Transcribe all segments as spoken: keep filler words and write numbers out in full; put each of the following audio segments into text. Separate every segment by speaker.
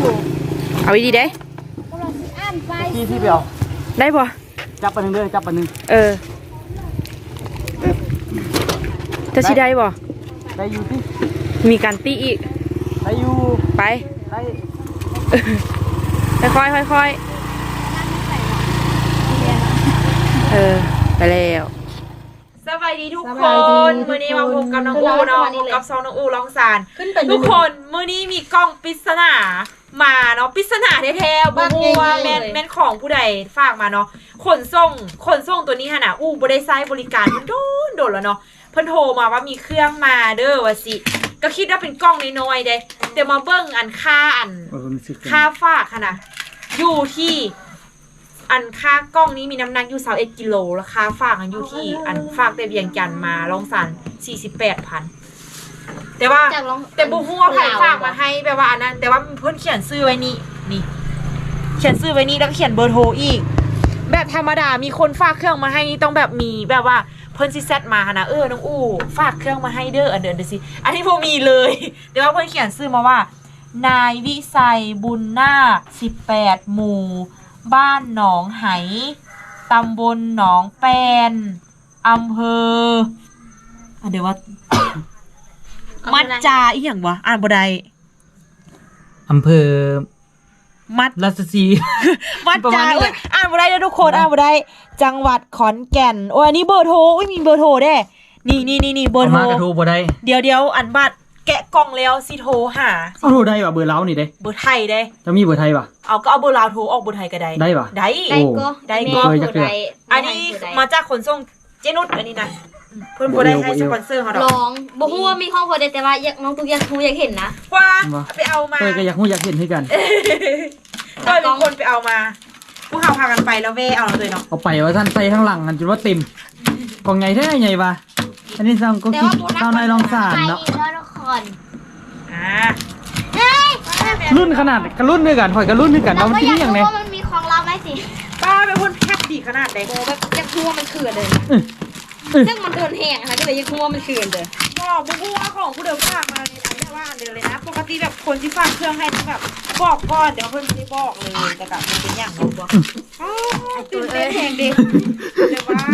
Speaker 1: เอาดีได้
Speaker 2: ที่ที่เดียว
Speaker 1: ได้ปะ
Speaker 2: จับปนึงเลยจับปนึง
Speaker 1: เออจะชิได้ปะ
Speaker 2: ได้อยู่ที่
Speaker 1: มีการตีอีก
Speaker 2: ได้อยู่
Speaker 1: ไปได้ค่อยค่อยค่อยเออไปแล้วสวัสดีทุกคนมื้อนี้มาพบกับน้องอูเนาะพบกับซองน้องอูร้องสารทุกคนมื้อนี้มีกล้องปริศนามาเนาะปริศนาแท้ๆบ่ฮู้ว่าแม่นแม่นของผู้ใดฝากมาเนาะขนส่งขนส่งตัวนี้หั่นน่ะอูบ่ได้ใช้บริการมันโดนโดนแล้วเนาะเพิ่นโทรมาว่ามีเครื่องมาเด้อว่าสิก็คิดว่าเป็นกล้องน้อยๆเด้เดี๋ยวมาเบิ่งอันค่าอันค่าฝากหั่นน่ะอยู่ที่อันค่ากล้องนี้มีน้ำหนักอยู่สิบเอ็ดกิโลราคาฝากอันอยู่ที่อันฝากแต่เวียงจันทน์มาลองสัน สี่สิบแปดพัน แต่ว่าแต่บุหัวไผ่ฝากมาให้แบบว่าอันนั้นแต่ว่าเพิ่นเขียนชื่อไว้นี่นี่เขียนชื่อไว้นี่แล้วเขียนเบอร์โทรอีกแบบธรรมดามีคนฝากเครื่องมาให้นี่ต้องแบบมีแบบว่าเพิ่นซิเซตมานะเออน้องอู้ฝากเครื่องมาให้เด้ออันเดินเดี๋ยวสิอันนี้พวกมีเลยแต่ว่าเพิ่นเขียนชื่อมาว่านายวิสัยบุญนาคสิบแปดหมู่บ้านหนองไหตำบลหนองแปนอำเภอเดี๋ยวว่า มัดจาอีหยังวะอ่านบ่ได้
Speaker 2: อำเภอ
Speaker 1: มัด
Speaker 2: ราชสี
Speaker 1: มัดจาอ่านบ่ได้เด้อทุกคนอ่านบ่ได้จังหวัดขอนแก่นโอ้ยอันนี้เบอร์โทรอุ้ยมีเบอร์โทรเด้นี่นี่นี่นี่เบอร์โทร
Speaker 2: มากระโทรบ่ได้
Speaker 1: เดี๋ยวเดี๋ยวอันบัดแกะกล่องแล้วสิโทรหา
Speaker 2: เอาโทรได้ป่ะเบอร์เล้านี่เด้
Speaker 1: เบอร์ไทยเด้
Speaker 2: จะมีเบอร์ไทยป่ะ
Speaker 1: เอาก็เอาเบอร์ลาวโทรออกเบอร์ไทยก็ได้
Speaker 2: ได้ป่ะ
Speaker 1: ได้
Speaker 3: ได้ก็
Speaker 1: ได้ก็อันนี้มาจากขนส่งเจนุชอันนี้นะเพิ่นบ่ได้ให้สปอนเซอร์เขาดอก
Speaker 3: ลองบ่ฮู้ว่ามีข้อพอได้แต่ว่าอยากน้องตุ๊กอยากฮู้อยากเห็นนะ
Speaker 1: ว่าไปเอามา
Speaker 2: เพิ่นก็อยากฮู้อยากเห็นคือกัน
Speaker 1: ก็มีคนไปเอามาพวกเขาพากันไปแล้วเว่เอาเลยเนาะ
Speaker 2: เอาไปว่าท่านใส่ข้างหลังกันจนว่าเต็มกล่องใหญ่แท้ใหญ่ป่ะอันนี้ซังก็คิดเท่าในรองสารเนาะรุ่นขนาดกระรุ่นด้วยกันหอยกระรุ่นด้วยกันเราที่นี่อย่างไร
Speaker 3: มันมีของเราไหมสิ
Speaker 1: ป้าเป็นคนแคบดีขนาดไหน
Speaker 3: โอ้แบบยักษ์หัวมันเขื่อนเลยซึ่งมันโดนแห้งนะคะก็เลยยักษ์หัวมันเขื่อนเลย
Speaker 1: ก็บุ้งว่าของผู้เดิมฝากมาเลยนะว่าเดินเลยนะปกติแบบคนที่ฝากเครื่องให้ต้องแบบบอกก่อนเดี๋ยวเพิ่นไม่บอกเลยแต่กับมันเป็นอย่างนั้นบอกตื่นเต้นแหงดิเดี๋ยวว่า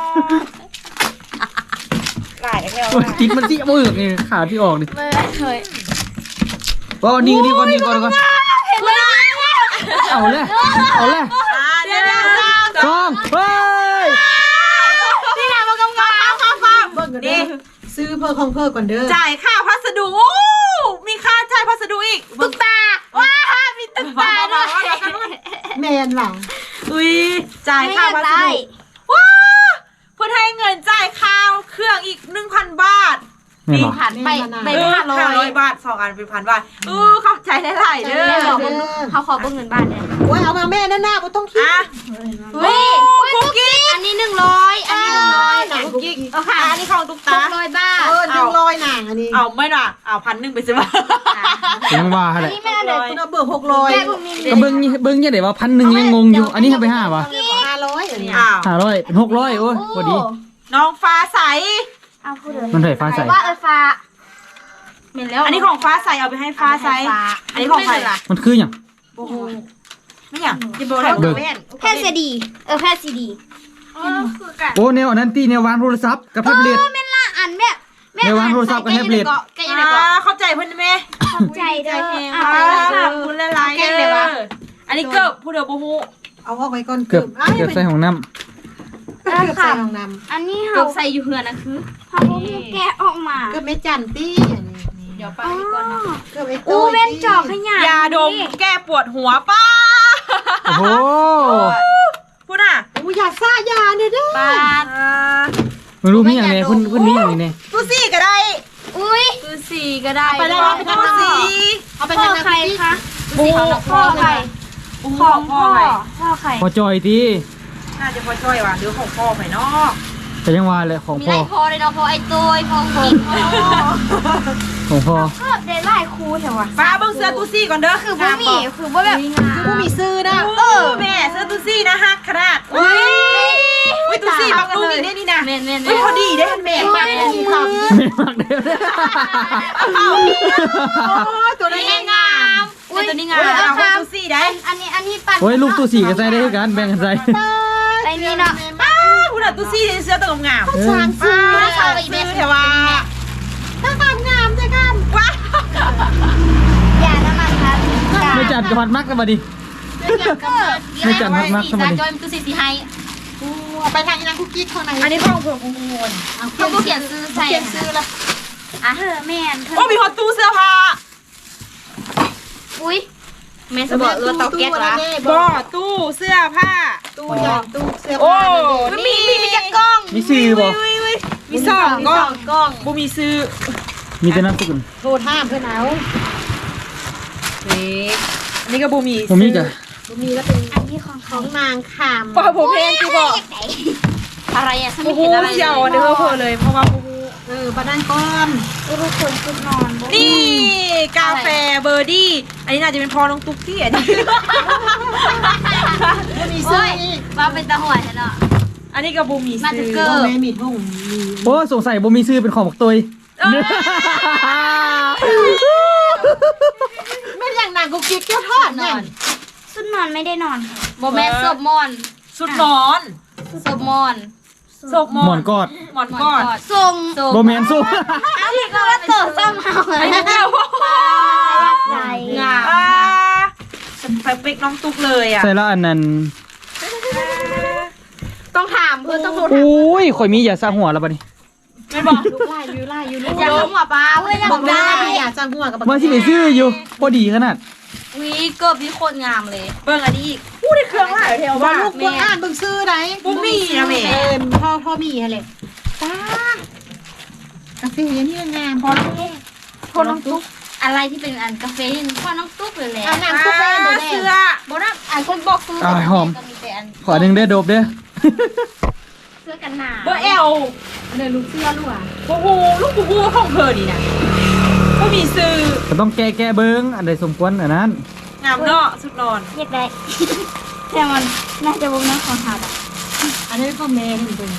Speaker 1: หลายแล้ว
Speaker 2: ติดมันที่มือนี่ขาที่ออกดิ
Speaker 3: ไม่เคย
Speaker 2: ว่านี่นี่ก่อนนี่ก่อนก่อนเอาเลยเอาเลยสองเฮ้ย
Speaker 1: นี่แหละมากำกับข้าวข้าวนี่
Speaker 4: ซื้อเพิ่มของเพิ่มก่อนเด้อ
Speaker 1: จ่ายค่าพัสดุมีค่าจ่ายพัสดุอีก
Speaker 3: ตุ๊กตาว้ามีตุ๊กตาด้วย
Speaker 4: แมนหลัง
Speaker 1: อุ้ยจ่ายค่าพัสดุว้าเพื่อให้เงินจ่ายค่าเครื่องอีกหนึ่งพันบาท
Speaker 3: นี่ผ่านไปไปห้า
Speaker 1: ร้อยบาทสองอันเป็นพันบาทเออเข้าใจได้หลายเด้อ
Speaker 3: เขาขอเบิ่งเงินบ้านเนี่ย
Speaker 4: โอ้ยเอามาแม่นั่นหน้าบ่ต้องคิด
Speaker 3: เฮ้ยคุกกี้อันนี้หนึ่งร้อยอันนี้หนึ่งร้อยหนัง
Speaker 1: คุกกี้เอาค่ะอันนี้ของตุ๊กตา
Speaker 3: ร้อยบาท
Speaker 4: เออหนึ่งร้อยหนังอันนี้
Speaker 1: เอาไม่หรอกเอาพันหนึ่งไปซื้อมา
Speaker 2: ยังว่าอะไร
Speaker 3: อันนี้แม่เด็ก
Speaker 4: คุณเอาเบอร์หกร้อย
Speaker 2: ก็เบิ้งเบิ้งยังเดี๋ยวว่าพันหนึ่งยังงงอยู่อันนี้ให้ไปห้าป่ะ
Speaker 4: ห้าร้อยอันนี้
Speaker 2: ห้าร้อยเป็นหกร้อยโอ้ยพอดี
Speaker 1: น้องฟ้าใส
Speaker 3: เอาพูดเลย
Speaker 2: มันเท่ฟ้าใส
Speaker 3: ว่าเออฟ้าเห็นแล้ว
Speaker 1: อันนี้ของฟ้าใสเอาไปให้ฟ้าใสอันนี้ของใครล่ะ
Speaker 2: มันคืออย่าง
Speaker 1: ไม่อย่าง
Speaker 3: จิโบแพทย์ซีดีเออแพทย์ซีดี
Speaker 2: โอ้แนวอันนั้นตีแนววางโทรศัพท์กับแท็บเล็ต
Speaker 3: เออแม่ละอันแม่
Speaker 2: แนววางโทรศัพท์กับแท็บเล็ต
Speaker 1: เข้าใจเพื่อนไหม
Speaker 3: เข้าใจเด้อ
Speaker 1: ขอบคุณหลายๆเด้ออันนี้เกิบผู้เดียวบูฮู
Speaker 4: เอาออกไว้ก่อน
Speaker 2: เกือบเกือบใส่ของน้ำ
Speaker 4: เกือบใส่ของน้
Speaker 3: ำอันนี้เขาใส่อยู่เหือนนะคือเขาแกะออกมา
Speaker 4: เกือบไม่จันตี้
Speaker 3: เดี๋ยวไปก่อนนะ
Speaker 4: เกือบไอ้
Speaker 3: ตู้เว้นจอกขยะ
Speaker 1: ยาดมแก้ปวดหัวป้า
Speaker 2: โอ้โห
Speaker 1: พูดอ่ะ
Speaker 4: อู้อยากซ่ายาเนี่ยเด้อ
Speaker 3: ป้า
Speaker 2: ไม่รู้มีอย่างไรคุณคุณมีอย่างไรเนี่ย
Speaker 1: ตู้ซี่ก็ได้
Speaker 3: อุ้ยตู้ซี่ก็ได้
Speaker 1: ไปแล้วไปตู้ซี่
Speaker 3: เอาไปทางใครคะตู้ซี่ของพ่อใคร
Speaker 1: ของพ่อ
Speaker 3: พ่อใคร
Speaker 2: พ่อจอยที
Speaker 1: น่าจะพ่อจ้อยว่ะหรือของพ่อไปเนาะ
Speaker 2: แต่ยังว่าเลยของพ่อ
Speaker 3: มีไรพ่อเลยเนาะพ่อไอ้ตัวพ่อกิ๊ก
Speaker 2: ของพ่อ
Speaker 3: ก็ได้ไล่ครูเถอะวะ
Speaker 1: ป้าเบิ่งเสื้อตู้ซี่ก่อนเด้อ
Speaker 3: คือบ่มีคือบ่แบบ
Speaker 4: คือบ่มีซื้อนะ
Speaker 1: เออแม่เสื้อตู้ซี่นะฮักขนาดอุ้ยอุ้ยตู้ซี่บักตู้นี่ได้นี่นะ
Speaker 3: แม่นๆ
Speaker 1: อุ้ยพอดีได้แม่
Speaker 4: แม่ทำ
Speaker 2: แม่มักเด้อ
Speaker 1: โอ้ตัวนี้งามเป็นตัวนี้งามเอาของซูซี่ได้
Speaker 3: อันนี้อันนี้ปั่น
Speaker 2: โอ้ยลูกตัวสี่ก็ใส่ได้คือกันแบ่งกันใส่
Speaker 3: ไอ้นี่เนาะ
Speaker 1: ป้าคุณอะซูซี่เสื้อตัวงาม
Speaker 4: ช้างซื้อ
Speaker 1: ป้าชาวซื้อแต่ว่า
Speaker 4: ถ้างามงามจ้ะกัน
Speaker 1: ว้า
Speaker 3: อย่าน้ำมันครับ
Speaker 2: ไม่จัดกับพัดมักกันมาดิ ไม่จัดพัดมักกันมาดิ
Speaker 3: จอยมันคือสีสีไฮ
Speaker 4: ไปทางอีนางคุกกี้ข้างใน
Speaker 1: อันนี้ของผมของงวน
Speaker 3: เขาก็เขียนซื้อใส่
Speaker 4: เขียนซื้อละ
Speaker 3: อ่ะเฮ้อแม่น
Speaker 1: โอ้มีฮอตตู้เสื้อผ้า
Speaker 3: อุ้ยแม่สบอกเออเตาแก๊สละ
Speaker 1: บ่ตู้เสื้อผ้า
Speaker 4: ตู้ใหญ่ตู้เสื้อ
Speaker 1: โอ้
Speaker 4: ผ้า
Speaker 1: มีมีมีจักกล้อง
Speaker 2: มีซื้อบ่
Speaker 1: มีสองกล้องกล้องบ่มีซื้อ
Speaker 2: มีแต่น้ำสกุล
Speaker 4: โทรท่ามเพื่อนเอา
Speaker 1: นี่อันนี้ก็บ่มี
Speaker 2: ผมมีกะ
Speaker 4: มีแล้วเป็น
Speaker 3: อันนี้ของ
Speaker 4: ข
Speaker 3: เขา
Speaker 4: องนางขาม
Speaker 1: บ่ผมเพลงคือบ่
Speaker 3: อะไรอ่ะฉัน
Speaker 1: บ่
Speaker 3: ไม่
Speaker 1: ฮู้
Speaker 3: เห็นอะไร
Speaker 1: เสี่ยวเด้อเพิ่นเลยเพราะว่าบ่ฮู้
Speaker 4: เออบ้านก้อน
Speaker 3: ทุกคนชุดนอน
Speaker 1: นี่กาแฟเบอร์ดี้ อันนี้น่าจะเป็นพอน้องตุ๊กที่อันนี้
Speaker 4: มีซื้ออีก
Speaker 3: ว่าเป็นตะหัวฉันเนาะ
Speaker 1: อันนี้ก็บ่มี
Speaker 3: มา
Speaker 1: ซื้
Speaker 3: ถึ
Speaker 1: อง
Speaker 3: เกิ
Speaker 4: โอ้
Speaker 3: ด
Speaker 4: แม่มีทุ่งมี
Speaker 2: โอ้สงสัยบ่มีซื้อเป็นของบักตุย
Speaker 4: ไม่อย่างนางกุกกิ๊กเจ้าทอด
Speaker 3: น
Speaker 4: เนี่
Speaker 3: อย นชุดนอนไม่ได้นอนโมแม่ศพมอน
Speaker 1: ชุดนอน
Speaker 3: ศพมอน
Speaker 1: ศพหมอ
Speaker 2: หมอน นกอด
Speaker 1: หมอนกอด
Speaker 3: ทรง
Speaker 2: บ่แม่นสู้
Speaker 3: อันนี้ก็ว่าเติร์ซ้ำเอา
Speaker 1: อันนี้ก็
Speaker 3: ใหญ่
Speaker 1: งามอ่าสเปคน้องตุ๊กเลยอ่ะ
Speaker 2: ใส่แล้วอันนั้น
Speaker 3: ต้องถามเพื่อต้องโทร
Speaker 2: โอ้ยข่อยมีอย่าซาหัวแล้วบัดนี้
Speaker 1: ไม่บอก
Speaker 4: ลูกไล่ยูไล่ยูลูก
Speaker 3: อยากหัวปลาเพื่ออยาก
Speaker 4: บอกได้
Speaker 3: ได้
Speaker 4: อยากจะหัวกับ
Speaker 2: ว่าสิไปซื้ออยู่พอดีขนาด
Speaker 3: วีเกิบนี่โคตรงามเลย
Speaker 1: เบิ่งอันนี้อีกอู้ได้เครื่องหลายเทล
Speaker 4: ว่า
Speaker 1: ว่า
Speaker 4: ลูกพวกอ่านเบิ่งซื้อไหน
Speaker 1: บ่มีนะแม่
Speaker 4: เออพ่อพ่อมีอะไรป้ากาแฟนี่งามพอลูก
Speaker 3: พอน้องตุ๊กอะไรที่เป็นอันกาแฟนี่พอน้องตุ๊กเลยแหละ
Speaker 4: อ่านนางกุกแฟนเดี๋ยว
Speaker 1: เสื้อ
Speaker 4: แม่
Speaker 3: บอกนะอันคนบอกซื้อ
Speaker 2: อ้ายหอม
Speaker 3: ก็มีแต่อัน
Speaker 2: ขอหนึ่งเด้อโดบเด้อ
Speaker 3: เสื้อกันหนาว
Speaker 1: เบอร์เอล
Speaker 4: เลยลูกเสื้อลูกอ่ะ
Speaker 1: บูบูลูกบูบูของเธอนี่นะก็มีซื้อ
Speaker 2: ก็ต้องแก้แก้เบิ้งอันใดสมควรอันนั้น
Speaker 1: งามเนาะสุดนอน
Speaker 3: อยากได้ แต่มันน่าจะวงน้ำของหาดอ่ะ
Speaker 4: อันนี้พ่อแม่เห็นเป็น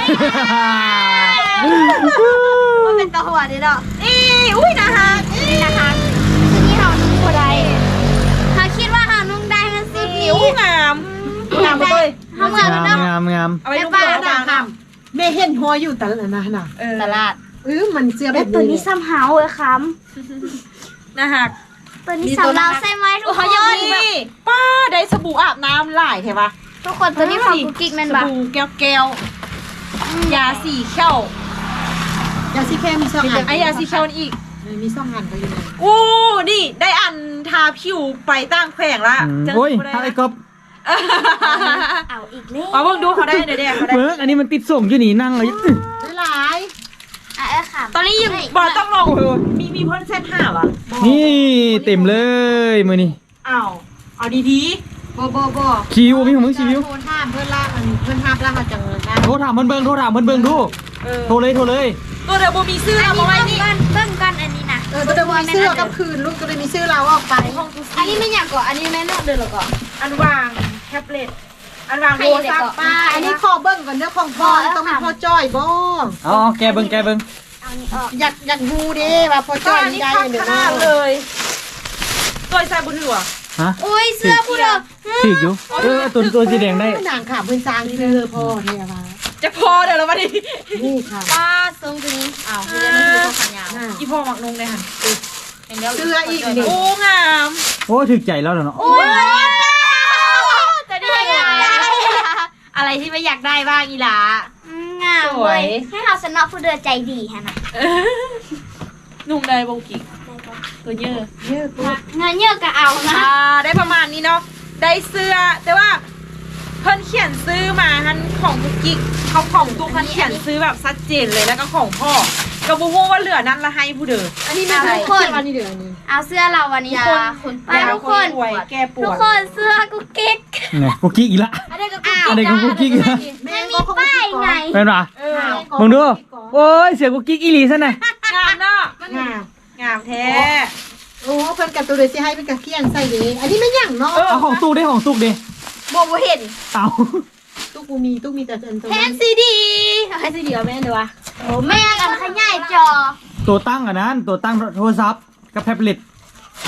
Speaker 3: มันเป็นตะหัวนี่เนาะ
Speaker 1: อีอุ้ยนะคะ
Speaker 3: นี่นะคะที่นี่เรานุ่งบัวได้เขาคิดว่าเรานุ่งได้มันสิ
Speaker 1: นิ้วงามงามเลย
Speaker 3: เขาเหมือน
Speaker 2: งาม
Speaker 3: เนาะ
Speaker 2: งามงาม
Speaker 1: เอาไว้ลูกเบอร์
Speaker 4: นาง
Speaker 1: งาม
Speaker 4: ทำแม่เห็นหัวอยู่แต่ละนะน่ะ
Speaker 1: เออ
Speaker 3: ตลาด
Speaker 4: เออมันเสื้อแบ
Speaker 3: แต่
Speaker 4: บ
Speaker 3: ตัว
Speaker 4: นี้
Speaker 3: นี้ซ้ำเฮาเลยค้
Speaker 1: นะฮะ
Speaker 3: ำตัวนี้ซ้ำเราใช่ไหมทุกค
Speaker 1: เขายัง
Speaker 3: น
Speaker 1: มีป้าได้สบู่อาบน้ำหลายใช่ปะ
Speaker 3: ทุกคนตัวนี้ของกุ๊กกิ๊กแมน
Speaker 1: ส
Speaker 3: บะ
Speaker 1: บู่แก้วแก้วยาสีเข้าย
Speaker 4: าซีแค่มีช่องอ่าน
Speaker 1: ไอยาสีเข้านี่อีก
Speaker 4: มีช่องอ่านก็อยู่เลย
Speaker 1: อู้นี่ได้อันทาผิวไปตั้งแขวงละ
Speaker 2: อืม
Speaker 1: จัง
Speaker 2: โอ้ย
Speaker 1: บ่ด้
Speaker 2: ถ้าไอ้ก๊อฟ
Speaker 3: เอาอีกเลย
Speaker 1: มาเบิ่งดูเขาได้เดี๋ยวเดี๋ยวเขาได้
Speaker 2: เบิ้งอันนี้มันติดส่งอยู่นี่นั่งเลย
Speaker 4: ได้หลาย
Speaker 3: อ่ะเออค่ะ
Speaker 1: ตอนนี้ยังบอต้องลองเลยมีมีเพิ่นเซตห้าวะ
Speaker 2: นี่เต็มเลยมือนี่
Speaker 1: อ้าวเอาดี
Speaker 4: บ่บ่บ่
Speaker 2: คิวมีของมึงคิว
Speaker 4: โทรท่ามเพื่อนล่างมันเพื่อนท่ามล่างมาจังเลยนะ
Speaker 2: โทรถามเพิ่นเบิ่งโทรถามเพิ่นเบิ่งดู
Speaker 1: ๆเออ
Speaker 2: โทรเลยโทรเลย
Speaker 1: ตัวเดี๋ยวโบมีซื้อ
Speaker 3: อัน
Speaker 1: เอา
Speaker 3: นี้
Speaker 1: มาไว้
Speaker 3: เบิ่ง
Speaker 1: นี่
Speaker 3: กันเบิ่งกันอันนี้นะ
Speaker 4: เออตัวเดิมมีเสื้อกับคืนลูกตัวเดิมมีเสื้อเราออกไป
Speaker 3: อันนี้ไม่อยากก่อนอันนี้แม่นอกเดินหรอกก่อน
Speaker 1: อันวางแท็บเล็ตอันวางโทรศัพท์
Speaker 4: ป้าอันนี้ขอเบิ้งก่อนเด้อของพ่อต้องมีพ่อจ้อยบ่
Speaker 2: อ๋อแกเบิ่งแกเบิ่ง
Speaker 3: เอานี่ออก
Speaker 4: อยากอยากฮู้เด้ว่าพ่อ
Speaker 1: ก็
Speaker 4: จ้อย
Speaker 1: อัน
Speaker 4: มี
Speaker 1: นี้
Speaker 4: ได้
Speaker 1: ข้าง
Speaker 4: เด้อ
Speaker 1: ขนาดเลยตัวใส่บุญหัว
Speaker 2: ฮะ
Speaker 3: อุ้ยเสื้อผู้เด้อ
Speaker 2: ถืออยู่เออตัวตัวสีแดงได้
Speaker 4: นางขาเพิ่นสร้างเสื้อพ่อเท่ว่า
Speaker 1: จะพอเดี๋ยวเรามาดิ
Speaker 4: นี่ค่ะ
Speaker 3: ป้าทรงตัวนี้อ้าวคือเดี๋ยวมันคือตัวขายาว
Speaker 1: อีพ่อหมักนงเลยหัน
Speaker 4: เสื้ออีกนี่
Speaker 1: โอ้งาม
Speaker 2: โอ้ถึกใจแล้วเหรอเนาะ
Speaker 3: โอ้ยจะได้ไงอะไรที่ไม่อยากได้บ้างอีหลางามเว้ยให้เราสนอผู้เดือใจดีฮะนะ
Speaker 1: นุ่งได้โบกิตัวเยอะ
Speaker 4: เยอะกู
Speaker 3: เงินเยอะก็เอานะ
Speaker 1: อ่าได้ประมาณนี้เนาะได้เสื้อแต่ว่าเพิ่นเขียนซื้อมาฮันของบุกกิ๊กเขาของตุ๊กคันเขียนซื้อแบบชัดเจนเลยแล้วก็ของพ่อกระบุฮูว่าเหลือนั้นละให้ผู้เดิม
Speaker 4: อันนี้ไม่ใช่คนอันนี้เด้อนี่
Speaker 3: เอาเสื้อเราวันนี้คน
Speaker 1: ไปทุกคนป่วยแก้ป
Speaker 3: ทุ
Speaker 1: ว
Speaker 3: ก
Speaker 1: ด
Speaker 3: คนเสื้อกุ๊กกิ๊ก
Speaker 2: ไงกุ๊กกิ๊กอีกละ
Speaker 4: อันนี้ก็
Speaker 3: อ้าว
Speaker 2: อันนี้ก็กุ๊กกิ๊กอีกละ
Speaker 3: ไม่มีป้ายไง
Speaker 2: เป็นปะ
Speaker 1: เออ
Speaker 2: มึงดูโอ้ยเสียกุ๊กกิ๊กอีหลีซะหน่อย
Speaker 1: งามเนาะ
Speaker 4: งาม
Speaker 1: งามแท้
Speaker 4: โอ้เพิ่นกับตัวเลยสิให้เป็นกับเคียนใส่เด้อันนี้ไม่ยั่งเนาะ
Speaker 2: เอาของตู้ได้ของตู้ดิ
Speaker 3: โบโบเห็น
Speaker 2: เอา
Speaker 4: ตู้กูมีตู้มีแต่อันตัว
Speaker 3: แทนซีดีให้ซีดีเอาแม่เลยวะโอ้แม่กันขยายจอ
Speaker 2: ตัวตั้งอันนั้นตัวตั้งโทรศัพท์กับแท็บเล็ต
Speaker 3: เอ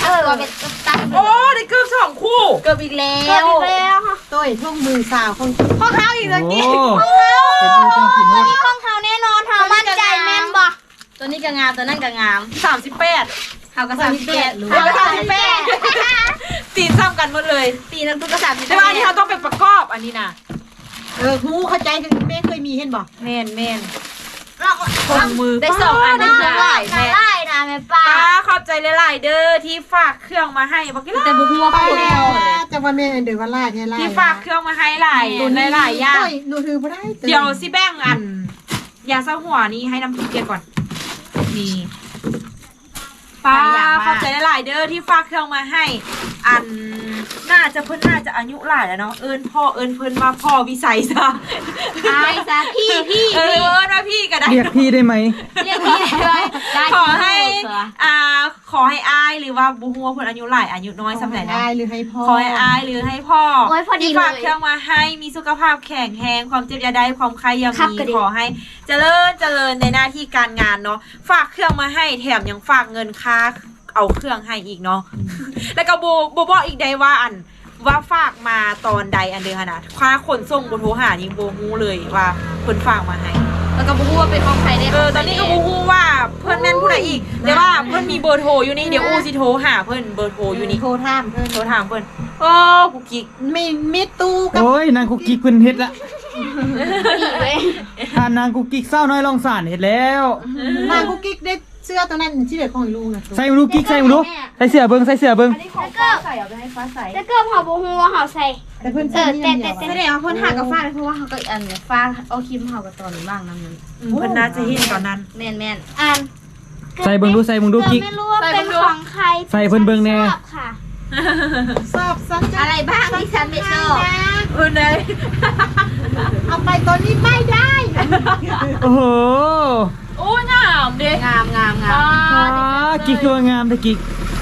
Speaker 3: ตัวเป็นตัด
Speaker 1: โอ้ได้เกือบสองคู่
Speaker 3: เกือบอีกแล้
Speaker 4: เก้าว
Speaker 3: อีกแล้ว
Speaker 4: ต้ยทุ่งมือสาวคน
Speaker 1: พ่อเท้าอีกแล้ว
Speaker 2: โอ้
Speaker 1: กี้
Speaker 2: เป็นดูจังกินหมด
Speaker 3: นี่ของเขาแน่นอนเขามั่นใจแม่นบ่ตัวนี้ก็งามตัวนั้นก็งาม
Speaker 1: สามสิบแปด
Speaker 3: เขาก็สามสิบแปด
Speaker 1: เขาก็สามสิบแปดตีนซ้ำกันหมดเลย
Speaker 3: ตีนักตุ๊กก็สามสิบ
Speaker 1: แต่ว่าอันนี้เราต้องไปประกอบอันนี้นะ
Speaker 4: เออหูเข้าใจคือแม่เคยมีเห็นบ่
Speaker 1: เมนเมน
Speaker 3: เรา
Speaker 1: คนมือ
Speaker 3: ได้สองอัน
Speaker 1: ได้
Speaker 3: ได้
Speaker 1: หลายแม่
Speaker 3: ได้นะแม่ป้า
Speaker 1: ป้าขอบใจหลายๆเด้อที่ฝากเครื่องมาให้บอกกี่
Speaker 3: แต่บุหัว
Speaker 4: ไป
Speaker 3: พูด
Speaker 4: แล้วจะว่าแม่เดือว่าลายเนี่ยลาย
Speaker 1: ที่ฝากเครื่องมาให้หลายหลายๆอย่าง
Speaker 4: ต้ยหนูถือบ่ได้
Speaker 1: เดี๋ยวสิแบ่งอันยาเศร้าหัวนี้ให้น้ำพริกเกียก่อนนี่ป้าขอบใจหลายๆเด้อที่ฝากเครื่องมาให้ อันน่าจะเพิ่นน่าจะอายุหลายแล้วเนาะเอิญพ่อเอิญเพิ่นมาพ่อวิสัยซะ
Speaker 3: ไอ้ซะพี่พี่
Speaker 1: เออเอิญมาพี่ก็ได้
Speaker 2: เรียกพี่ได้ไหม
Speaker 3: เรียกพี่เลยได้
Speaker 1: ขอให้อ่าขอให้อายหรือว่าบุหัวเพิ่นอายุหลายอายุน้อยสำไหนนะ
Speaker 4: ได้หรือให้พ่อ
Speaker 1: ขอให้อายหรือให้พ่อ
Speaker 3: โอ้ยพอดี
Speaker 1: ที่
Speaker 3: เล
Speaker 1: ฝาก
Speaker 3: ย
Speaker 1: เครื่องมาให้มีสุขภาพแข็งแรงความเจ็บอยาได้ความใครยัง
Speaker 3: ครับ
Speaker 1: มี
Speaker 3: ก็ดี
Speaker 1: ขอให้เจริญเจริญในหน้าที่การงานเนาะฝากเครื่องมาให้แถมยังฝากเงินค่าเอาเครื่องให้อีกเนาะ แล้วก็โบโบบอกอีกได้ว่าอันว่าฝากมาตอนใดอันเดียวขนาดค่าขนส่งบนโทรหานี่โบฮู้เลยว่าเพิ่นฝากมาให้
Speaker 3: แล้วก็บุหัวเป็นของใครได้
Speaker 1: เออตอนนี้ก็โบฮู้ว่าเพิ่นแม่นผู้ใดอีกแต่ว่าเพิ่นมีเบอร์โทรอยู่นี่เดี๋ยวอูสิโทรหาเพิ่นเบอร์โทรอยู่นี่
Speaker 4: โทรถามเพิ่น
Speaker 1: โทรถามเพิ่นโอ้กูกิ๊ก
Speaker 4: ไม่มิดตู้กับ
Speaker 2: โอ้ยนางกุกกิ๊กเพิ่นเฮ็ดละ
Speaker 3: อีกเลย
Speaker 2: ถ้านางกุกกิ๊กเศร้าน้อยลองสานเฮ็ดแล้ว
Speaker 4: นางกุ๊กกิ๊กได้เสื้อตัวนั้นที่เด็กของลูกนะ
Speaker 2: ใส่มาดูกิ๊กใส่มาดูใส่เสื้อเบิ่งใส่เสื้อเบิ่ง
Speaker 3: แล้วก็ใส่เอาไปให้ฟ้าใส่แล้วก็พอบุหัวเขาใส่
Speaker 4: แต่เพิ่น
Speaker 3: เอ
Speaker 4: ใส่
Speaker 3: อ
Speaker 4: นี่
Speaker 3: แต่
Speaker 4: เดี
Speaker 3: แต่
Speaker 4: ยว
Speaker 3: แสดงว่าเพิ่นหากับฟ้าเลยเพราะว่าเขาก็อันเนี่ยฟ้าเอาครีมเขากับตอนบ้างนั่นนั่น
Speaker 1: อืมเพิ่นน่าจะเห็นตอนนั้น
Speaker 3: แม่นแม่นอัน
Speaker 2: ใส่เบิ่งดูใส่เบิ่งดูกิ๊ก
Speaker 3: ไม่รู้ว่าเป็นของใคร
Speaker 2: ใส่เพิ่นเบิ่งแน่
Speaker 3: ชอบค่ะ
Speaker 4: สอบสัญจ
Speaker 3: อะไรบ้างที่ฉันไม่ชอบ
Speaker 1: เออเลย
Speaker 4: เอาไปตอนนี้ไม่ได้
Speaker 2: โอ้โห
Speaker 1: โอ้งามเด้
Speaker 3: งามงามงาม
Speaker 2: อ๋อกิ๊กคือว่างามแต่กิ๊ก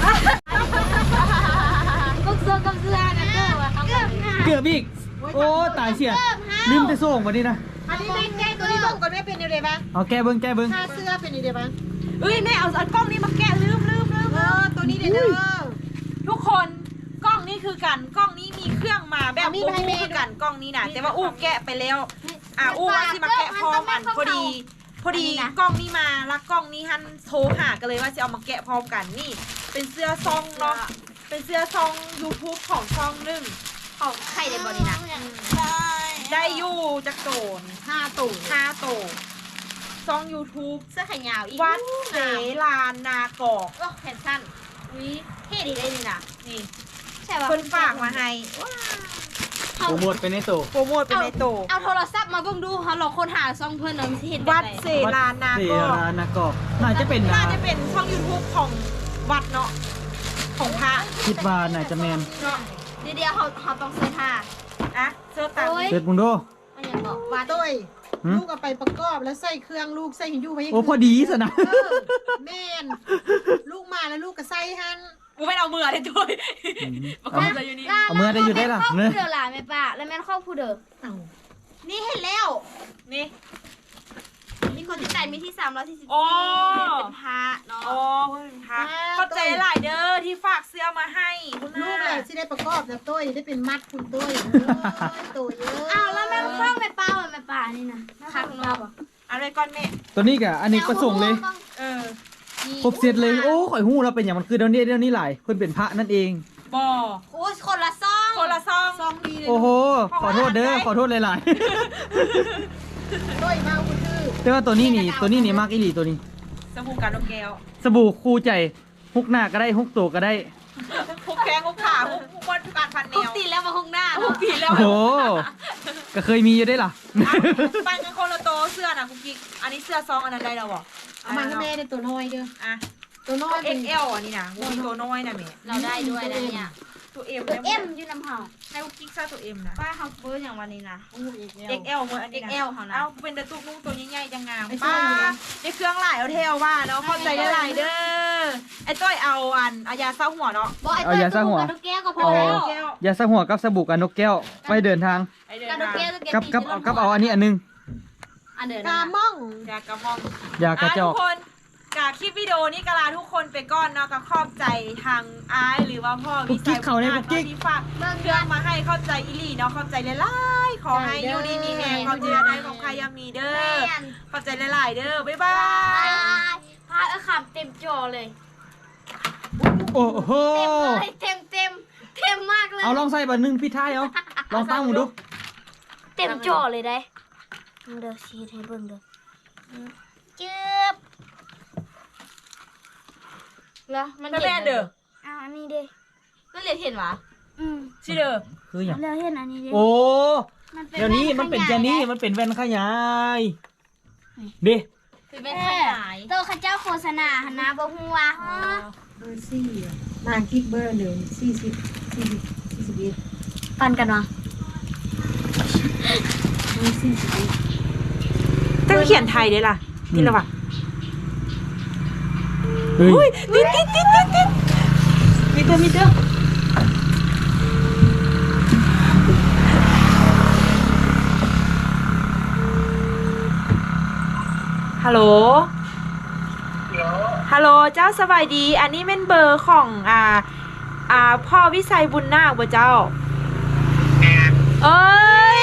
Speaker 3: กุ๊กเสื้อกับเสื้อนะเกือบอะเขาเกือบงาม
Speaker 2: เกือบอีกโอ้ตายเสียลืมไปส่งวันนี้นะ
Speaker 4: อันนี้ไม่แก้ตัวนี้ต้องก่อนไม่เป็นยังไงบ้าง
Speaker 2: เอาแก้เบิ่งแก้เบิ่ง
Speaker 4: ถ้าเสื้อเป็นยังไงบ้าง
Speaker 1: เอ้ยแม่เอาเอากล้องนี้มาแกะลืมลืมลืม
Speaker 4: เออตัวนี้เด้อ
Speaker 1: ทุกคนกล้องนี้คือกันกล้องนี้มีเครื่องมาแบบ
Speaker 4: เอามีดมาให้แม่
Speaker 1: คือกันกล้องนี้นะแต่ว่าอู้แกะไปแล้ว อ่ะอู้ว่าสิมาแกะพร้อมอันพอดี พอดีกล้องนี้มาแล้วกล้องนี้ฮันโทรหากันเลยว่าจะเอามาแกะพร้อมกันนี่ เป็นเสื้อซองเนาะเป็นเสื้อซอง YouTube ของซองหนึ่ง
Speaker 3: ของใครได้บอดี้นะ
Speaker 1: ได้อยู่จากโจน
Speaker 4: ห้าตู่
Speaker 1: ห้าโตซอง YouTube
Speaker 3: เสื้อแขนยาวอีก
Speaker 1: วัดเสลานนากอก
Speaker 3: โอ้แขนสั้นวิเท่ดีเลยนี่นะ
Speaker 1: นี่
Speaker 3: ใช่ป่ะ
Speaker 1: เพิ่นฝากมาให้
Speaker 2: โปรโมทไปในโต
Speaker 1: โปรโมทเป็นในโต
Speaker 3: เอาโทรศัพท์มาเบิ่งดูเขาลองค้นหาซองเพื่อนเราที่เห็น
Speaker 1: วัดเสลานนา
Speaker 2: เสี
Speaker 1: ก
Speaker 2: ย
Speaker 1: อก
Speaker 2: นากอกน่าจะเป็น
Speaker 1: น่า
Speaker 2: นะ
Speaker 1: จะเป็นช่อง YouTube ของวัดเนาะของพระ
Speaker 2: คิดว่าน่าจะแมน
Speaker 1: เนาะ
Speaker 3: เดี๋ยวเขาเขาต้องเสื้อผ้า
Speaker 1: อ่ะเสื้อตามนี้
Speaker 2: เด็ดมึงดู
Speaker 3: มันยังบอกว่า
Speaker 4: ต้ย
Speaker 2: หืม
Speaker 4: ลูกเอาไปประกอบแล้วใส่เครื่องลูกใส่หินยูไป
Speaker 2: โอ้พอดีสนะ
Speaker 4: เออแม่นลูกมาแล้วลูกก็ใส่หัน
Speaker 1: กูไม่เอามือเลยด้วยประกอบเลยอยู่นี่
Speaker 2: เอามือได้อยู่ได้ล่ะ
Speaker 3: ครอบ
Speaker 2: เนอะ
Speaker 3: ผู้เดือหลานแม่ป้าแล้วแม่นครอบผู้เดือ
Speaker 4: เอ้า
Speaker 3: นี่เห็นแล้ว
Speaker 1: นี่
Speaker 3: มีคนที่ใจมีที่สามร้อยสี่สิบ
Speaker 1: โอ้
Speaker 3: เป็นพระเนาะ
Speaker 1: โอ้เพื่อนพระเข้าใจหลายเด้อที่ฝากเสื้อมาให้คุณ
Speaker 4: ลู
Speaker 1: น้าก
Speaker 4: แหละที่ได้ประกอบนะต้ยได้เป็นมัดคุณต้ยตัวเยอะ
Speaker 3: อ้าวแล้วแม่ครอบแม่ป้าเหมือนแม่ป้านี่นะคักเนาะ
Speaker 1: เอะไรก่อนแม่
Speaker 2: ตัวนี้กะอันนี้ประสงค์เลย
Speaker 1: เออ
Speaker 2: ครบเสร็จเลย โอ้ข่อยหู้เราเป็นอย่างมันคือเดี๋ยวนี้เดี๋ยวนี้หลายเพิ่นเป็นพระนั่นเอง
Speaker 1: บอ
Speaker 3: โอ้ยคนละซอง
Speaker 1: คนละซอง
Speaker 4: ซองดีเลย
Speaker 2: โอ้โห ขอโทษเด้อ ขอโทษหลาย
Speaker 4: ต้ยมาคุณชื่อ
Speaker 2: ๆ แต่ว่าตัวนี้นี่ ตัวนี้นี่มากอีหลีตัวนี้
Speaker 1: สบู่กันนกแก้ว
Speaker 2: สบู่คู่ใจฮุกหน้าก็ได้ฮุกตัวก็ได้
Speaker 1: พวกแข้งพวกขาพวกพวกวันการพันแน
Speaker 3: ทุก
Speaker 1: ว
Speaker 3: ตีแล้วมาห้องหน้า
Speaker 1: พวกปีแล้ว
Speaker 2: โอ้โห ก็เคยมีอยู่ได้ล่ะ
Speaker 1: ปันกันคนละโตเสื้อนะคุกกิ๊กอันนี้เสื้อซองอันนั้นได้แล้วบ่
Speaker 4: เอามาให้แม่ได้ตัวน้อยเด้อ
Speaker 1: อ่ะ
Speaker 4: ตัวน้อย
Speaker 1: เอ็กเอลอันนี้นะกูมีตัวน้อยนะแม่
Speaker 3: เราได้ด้วยนะเนี่ย
Speaker 1: ตัวเอ็ม
Speaker 3: ตัวเอ็มอยู่น้ำหอม
Speaker 1: ให้คุกกิ๊กใส่ตัวเอ็มนะ
Speaker 3: ป้าเขาเฟิร์สอย่างวันนี้นะ
Speaker 4: อู้อีก
Speaker 1: เอ็กเอลเมื่ออันนี้นะ
Speaker 3: เอ็กเอลเขานะ
Speaker 1: เอาเป็นตะตุกนุ่งตัวใหญ่ๆจังงาม
Speaker 4: ไอ้เสื้
Speaker 1: ป้า
Speaker 4: อนี่นะ
Speaker 1: ได้เครื่องหลายเอาเทลว่าเนาะเข้าใจได้หลายเด้อไอ้ต้อยเอาอันเอายาเศร้าหัวเนาะ
Speaker 3: บอกไอ้
Speaker 2: เอา
Speaker 3: เต้
Speaker 2: ยาสร้างหัว
Speaker 3: กับนกแก้วก็พอ
Speaker 2: อ๋อ
Speaker 3: แล้ว
Speaker 1: แก้ว
Speaker 2: อย่าสะหัวกับสบู่กับนกแก้วไปเดินทาง
Speaker 1: ไอ้เดิน
Speaker 3: กับนก
Speaker 1: มา
Speaker 3: แก้วตัวแก้ว
Speaker 2: กับกับกับเอาอันนี้อันนึง
Speaker 3: อันเดิน
Speaker 4: กา
Speaker 3: นะ
Speaker 4: ม่อง
Speaker 1: ยากระมอง
Speaker 2: ยากระจอก
Speaker 1: ทุกคนกกะคลิปวิดีโอนี้กะลาทุกคนไปก่อนเนาะก็ขอบใจทางอ้ายหรือว่าพ่อวิสัยบุญนาถเนาะที่ฝากเครื่องมาให้เข้าใจอีหลีเนาะเข้าใจหลายๆขอให้อยู่ดีมีแรงความเจริญได้ของใครยามีเด้อเข้าใจหลายๆเด้อบ๊ายบาย
Speaker 3: พาเอาขับเต็มจอเลย
Speaker 2: โอ้โห
Speaker 3: เต็มเลยเต็มเต็มเต็มมากเลย
Speaker 2: เอาลองใส่บัตรหนึ่งพี่ท้ายเอาลองตั้งมึงดู
Speaker 3: เต็มจอเลยได้มึงเด้อชี้ให้เบิ่งเด้อจึ๊บแล้วมัน
Speaker 1: แม่แม่เด้อ
Speaker 3: อ่าอันนี้เด้
Speaker 1: ก็เรียกเห็นหวะ
Speaker 3: อืม
Speaker 1: ชิเด้อ
Speaker 2: คืออย่าง
Speaker 3: แล้วเห็นอันนี้เด้
Speaker 2: โอ้
Speaker 3: มันป็
Speaker 2: เดี๋ยวนี้มันเป็นแค่นี้มันเป็นแว่นขยายดิ
Speaker 1: คือเป็นขยาย
Speaker 3: โตข้าเจ้าโฆษณาหนนะบ่ฮู้ว่าฮะ
Speaker 4: เบอร์สี่อะนางกิ๊กเบอร์หนึ่งสี่สิบสี่สิบสี่สิบเอ็ด
Speaker 3: ปันกันวะ
Speaker 4: เบอร์สี่สิบเอ็ด
Speaker 1: แต่เขียนไทยได้ล่ะนี่ละวะ
Speaker 2: เฮ้ย
Speaker 1: ติดติดติดติดติดมีเด้อมีเด้อฮัลโหล ฮัลโหลเจ้าสบายดี อันนี้เป็นเบอร์ของอ่าอ่าพ่อวิสัยบุญนาคบ่เจ้า เอ้ย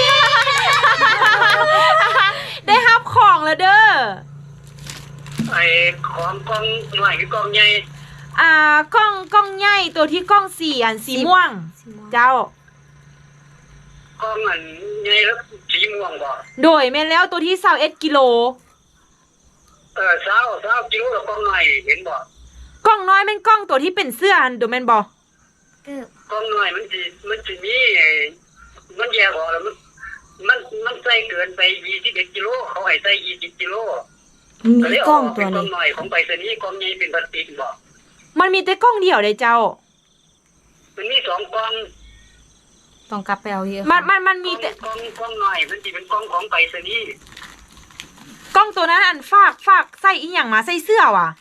Speaker 1: ได้รับของแล้วเด้อ
Speaker 5: ไอ้ของกล้องหน่อยคือกล้องใหญ่
Speaker 1: อ่ากล้องกล้องใหญ่ตัวที่กล้องสี่อันสีม่วง เจ้า
Speaker 5: กล้องอันใหญ่แล้วสีม่วงบ่
Speaker 1: โดยแม่นแล้วตัวที่ยี่สิบเอ็ดกิโล
Speaker 5: เออเช้าเช้าจิ้วแล้วกล้องหน่อยเห็นบ่
Speaker 1: กล้องน้อยแม่นกล้องตัวที่เป็นเสื้ออันโดแม่นบ่
Speaker 3: เกือบ
Speaker 5: กล้องหน่อยมันสิมันสิมีไอ้มันแยกออกแล้วมันมันมันใส่เกินไปยี่สิบเอ็ดกิโลเขาให้ใส่ยี่สิบกิโลก็เลยเอาออกเป็นกล้องหน่อยของไปรษณีย์กล้องใหญ่เป็นพลาสติกบ่
Speaker 1: มันมีแต่กล้องเดียวเลยเจ้า
Speaker 5: มันมีสองกล้อง
Speaker 1: ต้องกลับไปเอาเยอะมันมันมันมีแต่
Speaker 5: กล้องกล้องหน่อยมันสิเป็นกล้องของไปรษณีย์
Speaker 1: กล้องตัวนั้นอันฝากฝากใส่อีหยังมาใส่เสื้อว่ะ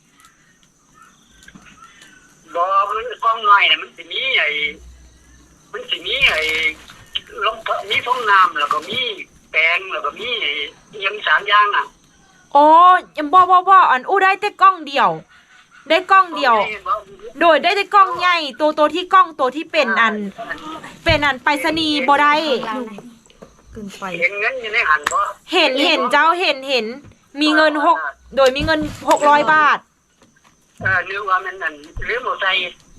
Speaker 5: บ่มันกล้องหน่อยน่ะมันสิมีไอ้มันสิมีไอ้ลงมีฟองน้ำแล้วก็มีแปรงแล้วก็มีไอ้อิหยังสามอย่างน่ะ
Speaker 1: โอ้ยังบ่บ่บ่อันอู้ได้แต่กล้องเดียว ได้กล้องเดียว โดยได้แต่กล้องใหญ่ตัวตัวที่กล้องตัวที่เป็นอัน เป็นอันไปรษณีย์บ่ได้เกินไป
Speaker 5: เห็นเงินอยู่ในหันบ่
Speaker 1: เห็นเห็นเจ้าเห็นเห็น มีเงินหกโดยมีเงินหกร้อยบาท
Speaker 5: เออนึกว่ามันนั่นลืมเอาใส่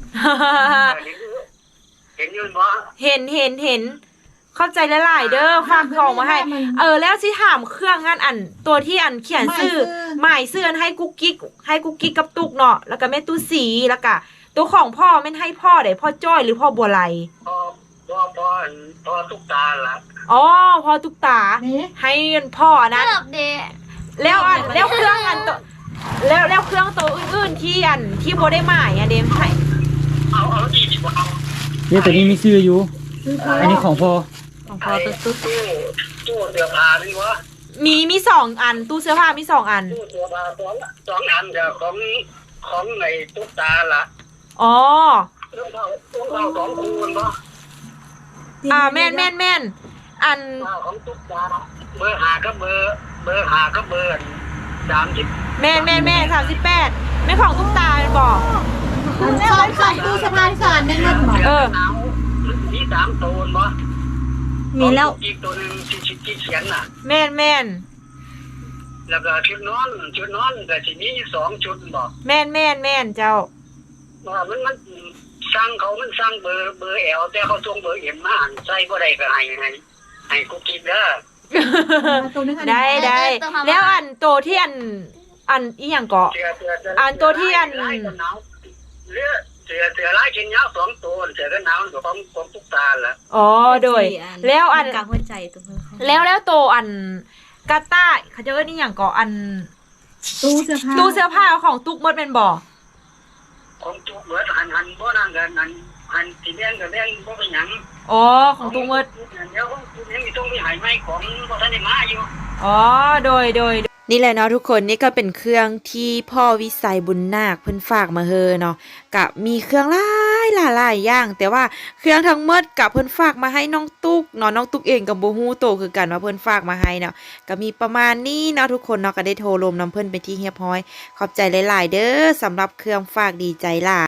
Speaker 5: เห็นอยู่บ่
Speaker 1: เห็นเห็นเห็น เข้าใจหลายๆเด้อฝากของมาให้ เออแล้วสิถามเครื่องงานอันตัวที่อันเขียนชื่อหมายชื่ออันให้กุ๊กกิ๊กให้กุ๊กกิ๊กกับตุกเนาะแล้วก็แม่ตู้สีแล้วก็ตัวของพ่อแม่นให้พ่อได้พ่อจ้อยหรือพ่อบัวไล
Speaker 5: พอพอพอพอตุ๊กตาล่ะ
Speaker 1: อ๋อพ่อตุกตา
Speaker 4: นี่
Speaker 1: ให้พ่อนั้น
Speaker 3: เกือบเด้
Speaker 1: แล้วอันแล้วเครื่องอันตัวแล้วแล้วเครื่องตัวอื่นๆที่อันที่บ่ได้หมายอันเดมให้
Speaker 5: เอาเอาดีดีกว่าเอา
Speaker 2: เนี่ยตัวนี้มีชื่ออยู่
Speaker 4: คือพอ
Speaker 2: อันนี้ของพ่อ
Speaker 1: ของพ่อตุ๊กตุ๊ก
Speaker 5: ตู้ตู้เสื้อผ้านี่วะ
Speaker 1: มีมีสองอันตู้เสื้อผ้ามีสองอัน
Speaker 5: ตู้เสื้อผ้าสองสองอันเดียวของของในตุ๊กตาล่ะ
Speaker 1: อ๋อ
Speaker 5: เรื่องเราเรื่องเราสองคูณบ่
Speaker 1: อ่าแม่นแม่นแม่นอัน
Speaker 5: เอาของตุ๊กตาเบอร์หาก็เบอร์เบอร์หาก็เบอร์สามสิบ
Speaker 1: แม่นแม่นแม่สามสิบแปดไม่ของตุ๊กตาเป็นบอก
Speaker 4: อันสอนสอนตู้สะพานสอนได้เงินบอก
Speaker 1: เออ
Speaker 5: หนาวมีสามตัวบ่
Speaker 1: มีแล้ว
Speaker 5: อีกตัวหนึงที่ที่ที่เขียนน่ะ
Speaker 1: แม่นแม่น
Speaker 5: แล้วก็ชุดนอนชุดนอนก็สิมีสองชุดบ่
Speaker 1: แม่นแม่นแม่นเจ้า
Speaker 5: ว่ามันมันสั่งเขามันสั่งเบอร์เบอร์แอลแต่เขาส่งเบอร์เอ็มมาหันใส่บ่ได้ก็ให้ให้ให้กูกินเด้อ
Speaker 4: ตัวนึงอัน
Speaker 1: ได้ได้แล้วอันโตวที่อันอันอีหยังเกาะ
Speaker 5: เสือเสือเสื
Speaker 1: อันตัวที่อัน
Speaker 5: ลายกันหนาวเรือเสือเสือลายเช่นยาวสองตัวเสือกันหนาวกับของของตุ๊กตาล่ะ
Speaker 1: อ๋อโดย แล้วอัน
Speaker 3: กลางหัวใจตัวเพิ่น
Speaker 1: แล้วแล้วโตวอันกาต้าเขาจะเอิ้นอีหยังเกาะอัน
Speaker 4: ตู้เสื้อผ้า
Speaker 1: ตู้เสื้อผ้าของตุ๊กมดเป็นบ่
Speaker 5: ของตุ๊กเบิดหันหันบ่นั่นกันหันหันสิแดงก็แดงบ่เป็นหยัง
Speaker 1: อ๋อของตุ๊กมด
Speaker 5: เดี๋ยวของตุ๊กยังมีต้องมีหายไหมของบ่ทันได้มาอยู่
Speaker 1: อ๋อ โดย โดย นี่แหละเนาะทุกคนนี่ก็เป็นเครื่องที่พ่อวิสัยบุญนาคเพิ่นฝากมาเฮอเนาะกับมีเครื่องหลายหลายๆอย่างแต่ว่าเครื่องทั้งหมดกับเพิ่นฝากมาให้น้องตุ๊กเนาะน้องตุ๊กเองก็บ่ฮู้โตคือกันว่าเพิ่นฝากมาให้เนาะก็มีประมาณนี้เนาะทุกคนเนาะก็ได้โทรลมน้ำเพิ่นเป็นที่เรียบร้อยขอบใจหลายๆเด้อสำหรับเครื่องฝากดีใจหลาย